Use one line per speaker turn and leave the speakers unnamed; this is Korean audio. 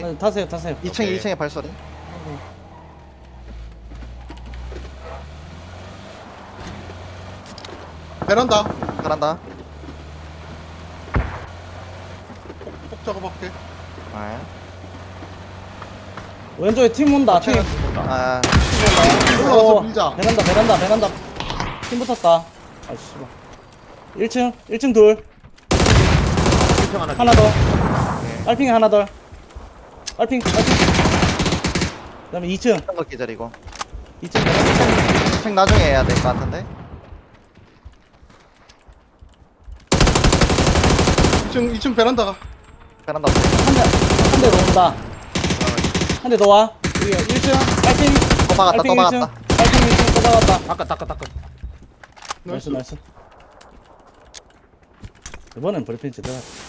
네, 타세요 타세요.
2층
오케이.
2층에 발소리.
베란다.
잘한다.
폭 작업할게.
아,
왼쪽에 팀 온다. 팀.
아,
올라가서 밀자.
베란다. 팀 붙었다. 아 씨발. 1층 둘.
1평 하나.
하나 더. 빨핑이 하나 더. 빨핑. 그다음에 2층.
어떤 거 기다리고.
2층 베란다.
책 나중에 해야 될 것 같은데.
2층 베란다가.
베란다 없어.
한 대 더 온다. 한 대 더 와. 여기 1층. 빨핑.
또 박았다, 또
빨핑
박았다.
1층. 빨핑 1층 또 박았다.
닦아.
나이스. 이번엔 브리핑 제대로 하자.